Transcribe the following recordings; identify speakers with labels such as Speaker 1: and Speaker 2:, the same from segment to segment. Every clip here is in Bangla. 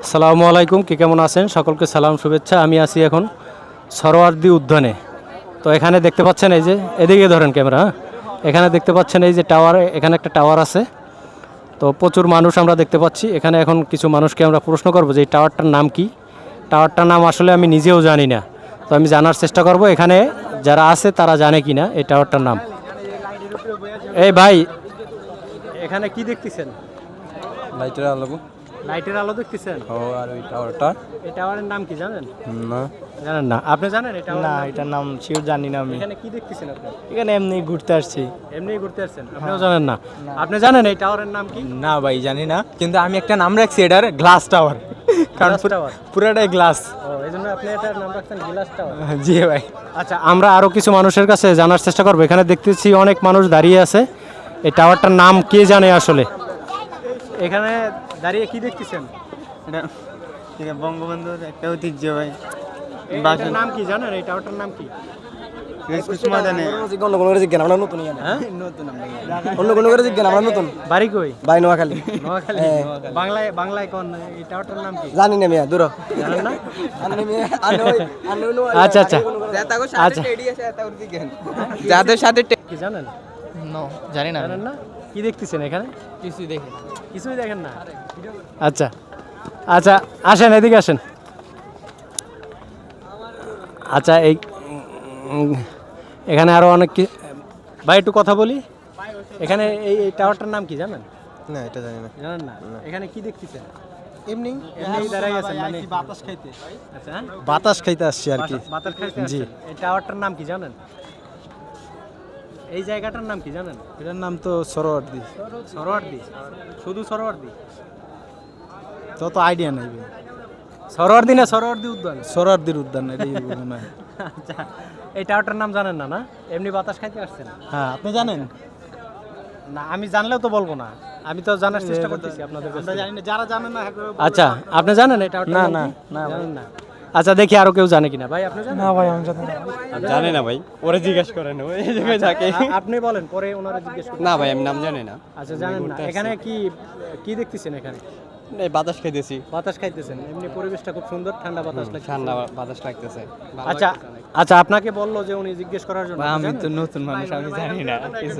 Speaker 1: আসসালামু আলাইকুম, কি কেমন আছেন? সকলকে সালাম শুভেচ্ছা। আমি আছি এখন সরোয়ার্দী উদ্যানে। তো এখানে দেখতে পাচ্ছেন এই যে এদিকে ধরেন ক্যামেরা, হ্যাঁ? এখানে দেখতে পাচ্ছেন এই যে টাওয়ার, এখানে একটা টাওয়ার আছে। তো প্রচুর মানুষ আমরা দেখতে পাচ্ছি এখানে। এখন কিছু মানুষকে আমরা প্রশ্ন করব যে এই টাওয়ারটার নাম কি। টাওয়ারটার নাম আসলে আমি নিজেও জানি না, তো আমি জানার চেষ্টা করব এখানে যারা আছে তারা জানে কি না এই টাওয়ারটার নাম। এই ভাই, এখানে কি দেখতেছেন?
Speaker 2: লাইটের আলো।
Speaker 1: লাইটের আলো দেখতেছেন?
Speaker 2: ও, আর ওই টাওয়ারটা?
Speaker 1: এই টাওয়ারের নাম কি জানেন?
Speaker 2: না।
Speaker 1: জানেন না? আপনি জানেন এটা?
Speaker 3: না, এটার নাম শিওর জানি না আমি।
Speaker 1: এখানে কি দেখতেছেন আপনি?
Speaker 3: এখানে এমনি ঘুরতে আসছি।
Speaker 1: এমনিই ঘুরতে আসছেন? আপনিও জানেন না? আপনি জানেন এই টাওয়ারের নাম কি?
Speaker 2: না ভাই, জানি না, কিন্তু আমি একটা নাম রাখছি এটার, গ্লাস টাওয়ার। কারণ
Speaker 1: গ্লাস টাওয়ার?
Speaker 2: পুরাটাই গ্লাস।
Speaker 1: ও, এই জন্য আপনি এটার নাম রাখছেন গ্লাস টাওয়ার?
Speaker 2: জি ভাই।
Speaker 1: আচ্ছা, আমরা আরও কিছু মানুষের কাছে জানার চেষ্টা করবো। এখানে দেখতেছি অনেক মানুষ দাঁড়িয়ে আছে। এই টাওয়ারটার নাম কে জানে আসলে? এখানে দাঁড়িয়ে কি দেখতেছেন?
Speaker 3: এটা বঙ্গবন্ধুর একটা ঐতিহ্য ভাই।
Speaker 1: এটার নাম কি জানেন? এই টাওয়ারটার নাম কি?
Speaker 3: অন্য কোনো জিজ্ঞান আমরা নতুন
Speaker 1: হ্যাঁ?
Speaker 3: অন্য কোনো করে জিজ্ঞান আমরা নতুন
Speaker 1: বাড়ি কই?
Speaker 3: ভাই নোয়াখালী।
Speaker 1: নোয়াখালী? বাংলায় কোন? এই টাওয়ারটার নাম কি
Speaker 3: জানি না মিয়া, দূর
Speaker 1: জানেন না? আচ্ছা আচ্ছা আচ্ছা,
Speaker 2: যাদের সাথে
Speaker 1: কি জানেন?
Speaker 3: জানি না।
Speaker 1: জানেন না? কি দেখতেছেন এখানে?
Speaker 3: কিছুই দেখি
Speaker 1: কিছুই দেখেন না? আচ্ছা আচ্ছা, আসেন এদিকে আসেন। আচ্ছা, এখানে আরো অনেক ভাই একটু কথা বলি। এখানে এই টাওয়ারটার নাম কি জানেন?
Speaker 2: না, এটা জানি না।
Speaker 1: জানেন না? এখানে কি দেখতেছেন?
Speaker 2: এমনি
Speaker 1: এমনি দাঁড়াই আছেন মানে?
Speaker 2: বাতাস খাইতে।
Speaker 1: আচ্ছা, হ্যাঁ?
Speaker 2: বাতাস খাইতে আসছি আর কি।
Speaker 1: বাতাস খাইতে
Speaker 2: জি।
Speaker 1: আসছেন। এই টাওয়ারটার নাম কি জানেন? এই জায়গাটার নাম কি জানেন?
Speaker 2: এটার নাম তো সরোয়ার্দী।
Speaker 1: সরোয়ার্দী? শুধু সরোয়ার্দী?
Speaker 2: তত আইডিয়া নাই ভাই।
Speaker 1: সরোয়ার্দী না সরোয়ার্দী উদ্যান?
Speaker 2: সরোয়ার্দীর উদ্যান এটাই মনে হয়।
Speaker 1: আচ্ছা, এই টাওয়ারটার নাম জানেন না? না, এমনি বাতাস খাইতে আসছেন?
Speaker 2: হ্যাঁ, আপনি জানেন?
Speaker 1: না, আমি জানলেও তো বলবো না, আমি তো জানার চেষ্টা করতেছি আপনাদের কাছ থেকে।
Speaker 2: জানি না, যারা জানেন না।
Speaker 1: আচ্ছা, আপনি জানেন এটা?
Speaker 2: না, না, না,
Speaker 1: জানেন না? আচ্ছা, দেখি আরো কেউ জানে কিনা। ভাই, আপনি জানেন?
Speaker 3: না ভাই, আমি জানি না।
Speaker 2: জানি না ভাই, ওরে জিজ্ঞেস করেন, ওই জায়গায় থাকে।
Speaker 1: আপনি বলেন, পরে ওনারা জিজ্ঞেস করুন।
Speaker 2: না ভাই, আমি নাম জানি না।
Speaker 1: আচ্ছা, জানেন না? এখানে কি কি দেখতেছেন? এখানে
Speaker 2: এই বাতাস খাইতেছি।
Speaker 1: বাতাস খাইতেছেন? এমনি পরিবেশটা খুব সুন্দর, ঠান্ডা বাতাস লাগছে।
Speaker 2: ঠান্ডা বাতাস লাগতেছে।
Speaker 1: আচ্ছা আচ্ছা, আপনাকে বললো যে উনি জিজ্ঞেস করার জন্য।
Speaker 2: আমি তো নতুন মানুষ, আমি জানি না কিছু।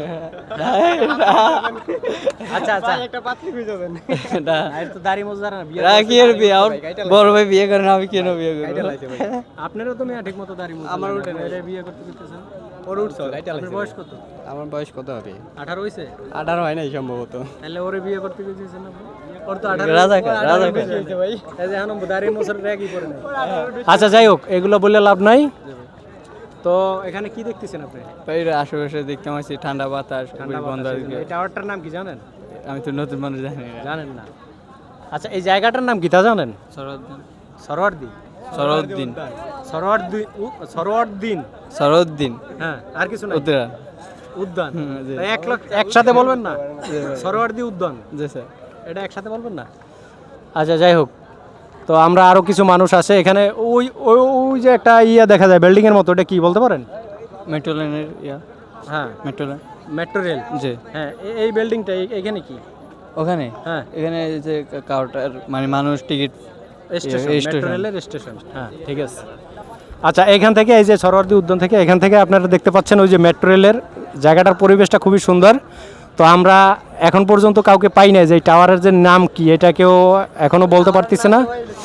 Speaker 1: আচ্ছা আচ্ছা,
Speaker 2: একটা পাত্রী খুঁজে দেন।
Speaker 1: আর তো দাড়ি মোজারা না, বিয়ে
Speaker 2: রাখি এর বিয়ে, আর বড় ভাই বিয়ে করেন, আমি কেন বিয়ে করব?
Speaker 1: আপনারও তো মেয়ে ঠিক মতো দাড়ি মোজা।
Speaker 2: আমার উঠে না।
Speaker 1: এটা বিয়ে করতে দিতেছেন? ওর উঠছে? আপনার বয়স কত?
Speaker 2: আমার বয়স কত হবে?
Speaker 1: 18 হইছে?
Speaker 2: 18 হয় নাই সম্ভবত।
Speaker 1: তাহলে ওরে বিয়ে করতে দিতেছেন আপনি? ওর তো 18
Speaker 2: রাজাকার।
Speaker 1: ভাই। এই যে এখন দাড়ি মোজার রেগই করে নাই। আচ্ছা, যাই হোক, এগুলো বললে লাভ নাই। তো এখানে কি দেখতেছেন আপনি?
Speaker 2: ভাই আশেপাশে দেখতে পাচ্ছি ঠান্ডা বাতাস,
Speaker 1: ঠান্ডা
Speaker 2: বন্ধ।
Speaker 1: বাতাস। এই টাওয়ারটার নাম কি জানেন?
Speaker 2: আমি তো নতুন মানুষ, জানি না।
Speaker 1: জানেন না? আচ্ছা, এই জায়গাটার নাম কি তা জানেন?
Speaker 2: সরোদ্দিন।
Speaker 1: সরোয়ার্দী?
Speaker 2: সরোদ্দিন।
Speaker 1: সরোয়ার্দী? সরোয়ার্দিন?
Speaker 2: সরোদ্দিন।
Speaker 1: হ্যাঁ, আর কিছু না?
Speaker 2: উদ্যান।
Speaker 1: উদ্যান?
Speaker 2: জি।
Speaker 1: তাই একসাথে বলবেন না? সরোয়ার্দী উদ্যান,
Speaker 2: জি স্যার।
Speaker 1: এটা একসাথে বলবেন না? আচ্ছা, যাই হোক, তো আমরা আরো কিছু মানুষ আছে এখানে। ওই ওই ওই যে একটা ইয়া দেখা যায় বিল্ডিং এর মতো, এটা কি বলতে পারেন?
Speaker 2: মেট্রো লাইনের ইয়া।
Speaker 1: হ্যাঁ,
Speaker 2: মেট্রো লাইন।
Speaker 1: Metro rail.
Speaker 2: জি।
Speaker 1: হ্যাঁ, এই বিল্ডিংটা এখানে কি?
Speaker 2: ওখানে?
Speaker 1: হ্যাঁ,
Speaker 2: এখানে যে কাউন্টার, মানে মানুষ টিকিট।
Speaker 1: Station, metro
Speaker 2: station.
Speaker 1: রেলের স্টেশন। হ্যাঁ, ঠিক আছে। আচ্ছা, এখান থেকে এই যে সরোয়ার্দী উদ্যান থেকে, এখান থেকে আপনারা দেখতে পাচ্ছেন ওই যে মেট্রো রেলের জায়গাটার পরিবেশটা খুবই সুন্দর। তো আমরা এখন পর্যন্ত কাউকে পাই নাই যে এই টাওয়ারের যে নাম কি, এটা কেউ এখনো বলতে পারতেছে না।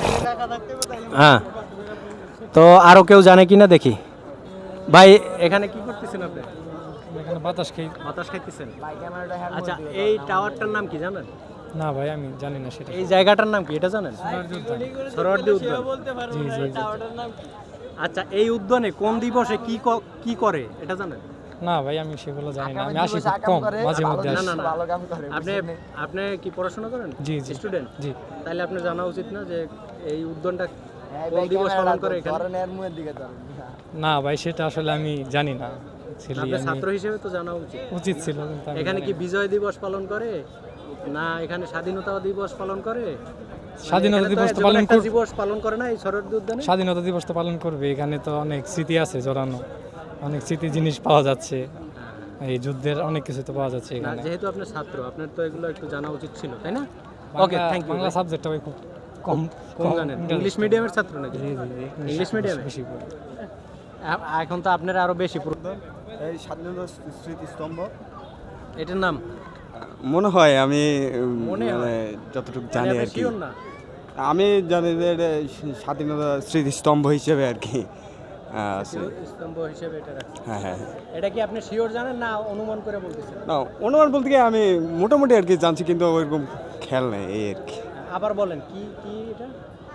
Speaker 1: হ্যাঁ, তো আরও কেউ জানে কিনা দেখি। ভাই, এখানে কি করতেছেন আপনি?
Speaker 3: এখানে বাতাস খাই।
Speaker 1: বাতাস খাইতেছেন? আচ্ছা, এই টাওয়ারটার নাম কি জানেন?
Speaker 3: না ভাই, আমি জানি না সেটা।
Speaker 1: এই জায়গাটার নাম কি এটা জানেন? সরোয়ার্দী উদ্যান।
Speaker 3: জি জি জি।
Speaker 1: আচ্ছা, এই উদ্যানে কোন দিবসে কি করে এটা জানেন?
Speaker 3: না ভাই, আমি সেগুলো জানি না। আমি আসি খুব কম, মাঝে মধ্যে
Speaker 1: না
Speaker 3: আসি।
Speaker 1: না না, আপনি আপনি কি পড়াশোনা করেন?
Speaker 3: জি জি।
Speaker 1: স্টুডেন্ট?
Speaker 3: জি।
Speaker 1: তাহলে আপনার জানা উচিত না যে এই উদ্যানটা কোন দিবস পালন করে এখানে?
Speaker 3: না ভাই, সেটা আসলে আমি জানি না। ছেলে
Speaker 1: আপনি
Speaker 3: আমি
Speaker 1: ছাত্র হিসেবে তো জানা উচিত।
Speaker 3: উচিত ছিল, কিন্তু আমি
Speaker 1: এখানে
Speaker 3: জানি
Speaker 1: কি
Speaker 3: না।
Speaker 1: বিজয় দিবস পালন করে, না এখানে স্বাধীনতা দিবস পালন করে?
Speaker 3: স্বাধীনতা
Speaker 1: এখানে তো
Speaker 3: দিবস তো
Speaker 1: যেকোনো
Speaker 3: পালন
Speaker 1: একটা
Speaker 3: কর-
Speaker 1: দিবস পালন করে না এই সরোয়ার্দী উদ্যানে?
Speaker 3: স্বাধীনতা দিবস তো পালন করবে। এখানে তো অনেক স্মৃতি আছে জড়ানো, অনেক স্মৃতি জিনিস পাওয়া যাচ্ছে। এই যুদ্ধের অনেক কিছু তো পাওয়া যাচ্ছে
Speaker 1: না,
Speaker 3: এখানে।
Speaker 1: যেহেতু আপনি ছাত্র, আপনার তো এগুলো একটু জানা উচিত ছিল, তাই না? Okay,
Speaker 3: Bangla-
Speaker 1: thank you.
Speaker 3: Bangla সাবজেক্টটা ভাই খুব কম
Speaker 1: কম জানেন? ইংলিশ মিডিয়ামের ছাত্র নাকি?
Speaker 3: জি
Speaker 1: ইংলিশ মিডিয়ামে?
Speaker 3: বেশি পড়ি।
Speaker 1: এখন তো আপনারা আরো বেশি
Speaker 4: এই স্বাধীনতা স্মৃতিস্তম্ভ
Speaker 1: এটার নাম
Speaker 4: মনে হয় আমি
Speaker 1: মনে হয়?
Speaker 4: মানে যতটুকু
Speaker 1: মানে
Speaker 4: জানি
Speaker 1: আপনি
Speaker 4: আর কি
Speaker 1: sure না?
Speaker 4: আমি জানি যে এটা স্বাধীনতা স্মৃতিস্তম্ভ হিসেবে আর কি আছে।
Speaker 1: স্তম্ভ হিসেবে এটা রাখছে।
Speaker 4: হ্যাঁ হ্যাঁ
Speaker 1: এটা কি আপনি শিওর জানেন না অনুমান করে বলতেছেন?
Speaker 4: না অনুমান বলতে গিয়ে আমি মোটামুটি আর কি জানছি কিন্তু ওইরকম খেয়াল নেই এই আর কি
Speaker 1: আবার বলেন কি কি এটা?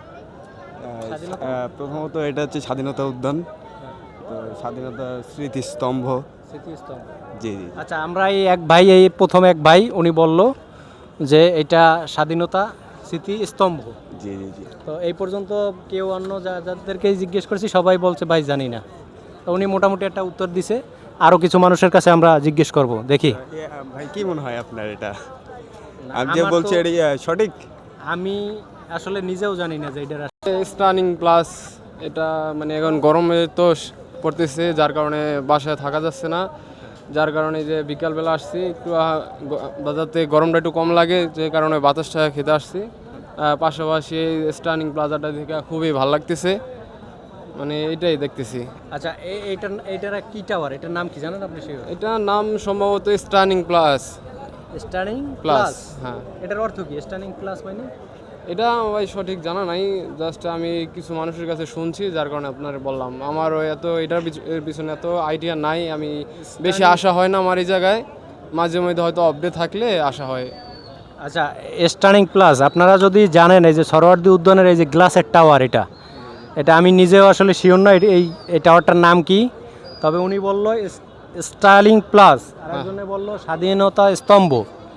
Speaker 1: স্বাধীনতা?
Speaker 4: প্রথমত এটা হচ্ছে স্বাধীনতা উদ্যান, তো স্বাধীনতা স্মৃতিস্তম্ভ।
Speaker 1: স্মৃতিস্তম্ভ।
Speaker 4: জি জি
Speaker 1: আচ্ছা, আমরা এই প্রথম এক ভাই উনি বলল যে এটা স্বাধীনতা স্মৃতিস্তম্ভ।
Speaker 4: জি জি জি
Speaker 1: তো এই পর্যন্ত কেউ অন্য যাদেরকে জিজ্ঞেস করেছি সবাই বলছে ভাই জানি না। তো উনি মোটামুটি একটা উত্তর দিছে। আরও কিছু মানুষের কাছে আমরা জিজ্ঞেস করব, দেখি।
Speaker 4: ভাই কি মনে হয় আপনার এটা?
Speaker 1: না,
Speaker 4: আমি যে
Speaker 1: আমার
Speaker 4: বলছি
Speaker 1: তো-
Speaker 4: এটা সঠিক?
Speaker 1: আমি আসলে নিজেও জানি না যে এটা
Speaker 5: স্টানিং প্লাস এটা মানে এখন গরমে তো পড়তেছে, যার কারণে বাসায় থাকা যাচ্ছে না, যার কারণে যে বিকালবেলা আসছি একটু বাজারতে গরমটা একটু কম লাগে, যে কারণে বাতাসটা খেতে আসছি। পাশাপাশি এই স্টানিং প্লাজাটা দেখে খুবই ভালো লাগতেছে, মানে এটাই দেখতেছি।
Speaker 1: আচ্ছা এইটার কি টাওয়ার, এটার নাম কি জানেন আপনি? শিওর?
Speaker 5: এটা নাম সম্ভবত stunning plus.
Speaker 1: Stunning
Speaker 5: plus,
Speaker 1: plus?
Speaker 5: হ্যাঁ।
Speaker 1: এটার অর্থ কি স্টানিং প্লাস মানে?
Speaker 5: এটা ভাই সঠিক জানা নাই, জাস্ট আমি কিছু মানুষের কাছে শুনছি, যার কারণে আপনার বললাম। আমারও এটার এর পিছনে এত আইডিয়া নাই, আমি বেশি আসা হয় না আমার এই জায়গায়, মাঝে মধ্যে হয়তো আপডেট থাকলে আসা হয়।
Speaker 1: আচ্ছা, স্টানিং প্লাস আপনারা যদি জানেন, এই যে সরোয়ার্দী উদ্যানের এই যে গ্লাসের টাওয়ার, এটা আমি নিজেও আসলে শিওর না এই টাওয়ারটার নাম কি। তবে উনি বলল স্টার্লিং প্লাস, আর একজনে বলল স্বাধীনতা স্তম্ভ।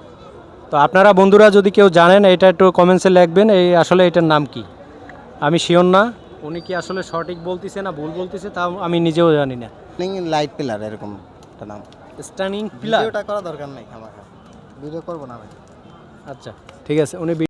Speaker 1: তো আপনারা বন্ধুরা যদি কেউ জানেন এটা একটু কমেন্টসে লিখবেন এই আসলে এটার নাম কি। আমি শিওর না উনি কি আসলে সঠিক বলতেছে না ভুল বলতেছে, তাও আমি নিজেও জানি না।
Speaker 6: লাইট পিলার এরকম একটা নাম।
Speaker 1: Stunning plus.
Speaker 6: ভিডিওটা করা দরকার নেই, আমার ভিডিও করবো না ভাই।
Speaker 1: আচ্ছা ঠিক আছে, উনি